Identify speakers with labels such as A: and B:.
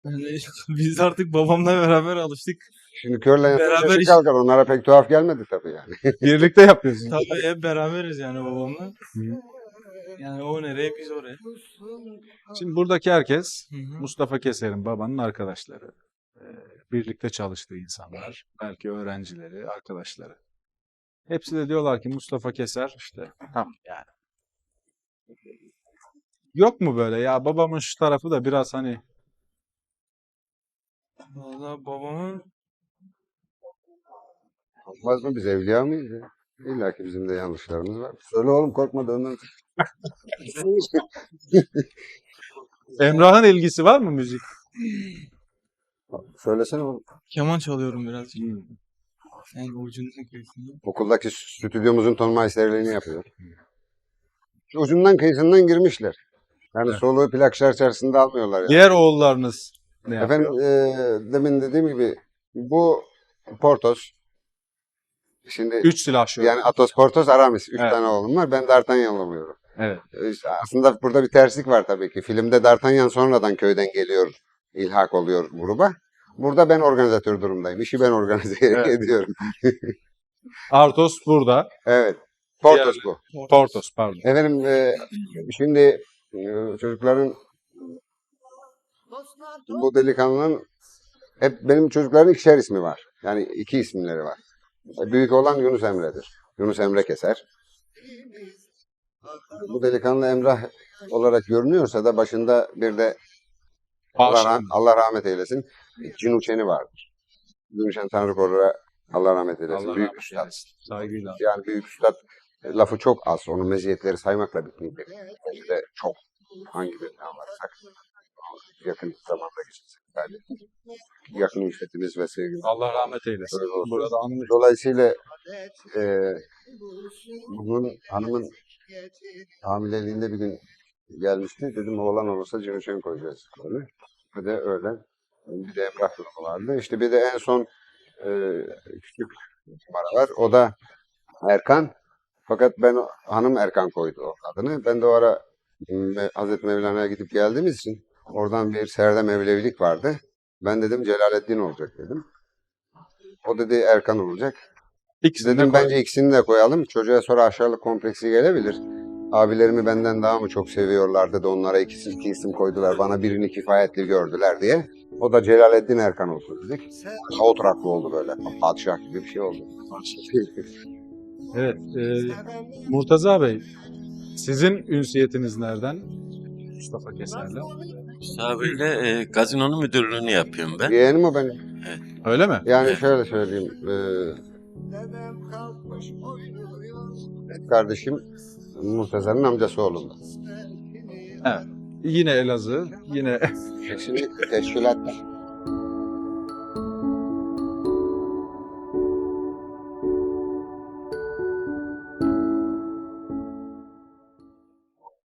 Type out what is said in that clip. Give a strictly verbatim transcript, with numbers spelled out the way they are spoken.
A: Yani biz artık babamla beraber alıştık.
B: Şimdi körle
A: Beraber
B: beraber
A: iş-
B: kalkar. Onlara pek tuhaf gelmedi tabii yani.
C: Birlikte yapıyorsunuz.
A: Tabii hep beraberiz yani babamla. Yani o nereye biz oraya.
C: Şimdi buradaki herkes
A: Hı hı.
C: Mustafa Keser'in babanın arkadaşları. Ee, Birlikte çalıştığı insanlar. Belki öğrencileri, arkadaşları. Hepsi de diyorlar ki Mustafa Keser işte tam yani. Yok mu böyle ya babamın şu tarafı da biraz hani
A: Valla babamın
B: Olmaz mı? Biz evliya mıyız ya? İlla ki bizim de yanlışlarımız var. Söyle oğlum, korkma, dönmem.
C: Emrah'ın ilgisi var mı müzik?
B: Söylesene oğlum.
A: keman çalıyorum birazcık. Yani ucundan kıyısında.
B: Okuldaki stüdyomuzun ton maisterliğini yapıyor. Şu ucundan kıyısından girmişler. Yani
C: Evet.
B: soluğu plak çerçevesinde almıyorlar yani.
C: Diğer oğullarınız ne yapıyor?
B: Efendim e, demin dediğim gibi bu Portos. Şimdi
C: Üç silah şöyle.
B: yani Athos, Portos, Aramis. Üç
C: Evet.
B: tane oğlum var. Ben D'Artagnan oluyorum.
C: Evet.
B: E, işte aslında burada bir terslik var tabii ki. Filmde D'Artagnan sonradan köyden geliyor, ilhak oluyor gruba. Burada ben organizatör durumdayım. İşi ben organize
C: Evet.
B: ediyorum.
C: Artos burada.
B: Evet. Portos bu.
C: Portos pardon.
B: Efendim e, şimdi e, çocukların bu delikanlının hep benim çocukların ikişer ismi var. Yani iki isimleri var. Büyük olan Yunus Emre'dir. Yunus Emre Keser. Bu delikanlı Emrah olarak görünüyorsa da başında bir de Allah, rah- Allah rahmet eylesin Cin Uçen'i vardır. Cin Uçen Tanrı Korur'a Allah rahmet eylesin.
C: Allah
B: Büyük
C: rahmet
B: üstad.
C: eylesin. Saygıyla.
B: Yani büyük üstad lafı çok az. Onun meziyetleri saymakla bitmeyecek. Bence de çok. Hangi birinden varsak yakın zamanda geçecek. Yani yakın ülfetimiz ve sevgimiz.
C: Allah rahmet eylesin.
B: Öyle olsun.
C: Burada anılır.
B: Dolayısıyla e, bugün hanımın hamileliğinde bir gün gelmişti. Dedim oğlan olursa Cinoşen koyacağız. Böyle. Bir de öyle. Bir de Emrah durumu vardı. İşte bir de en son e, küçük numara var. O da Erkan. Fakat ben hanım Erkan koydu o adını. Ben de o ara Me- Hazreti Mevlana'ya gidip geldiğimiz için oradan bir serde Mevlevilik vardı. Ben dedim Celaleddin olacak dedim. O dedi Erkan olacak.
C: İkisini de
B: Dedim
C: koy.
B: bence ikisini de koyalım. Çocuğa sonra aşağılık kompleksi gelebilir. Abilerimi benden daha mı çok seviyorlardı da onlara ikisi iki isim koydular. Bana birini kifayetli gördüler diye. O da Celaleddin Erkan olsun dedik. Oturaklı oldu böyle. Padişah gibi bir şey oldu.
C: Evet. E, Murtaza Bey, sizin ünsiyetiniz nereden? Mustafa Keser'le.
D: Sabi'yle e, gazinonun müdürlüğünü yapıyorum ben.
B: Yeğenim o benim.
C: Öyle mi?
B: Yani
D: Evet.
B: şöyle söyleyeyim. E, kardeşim Murtaza'nın amcası oğlundan.
C: Evet. Yine Elazığ, yine
B: Kesinlikle teşkilat.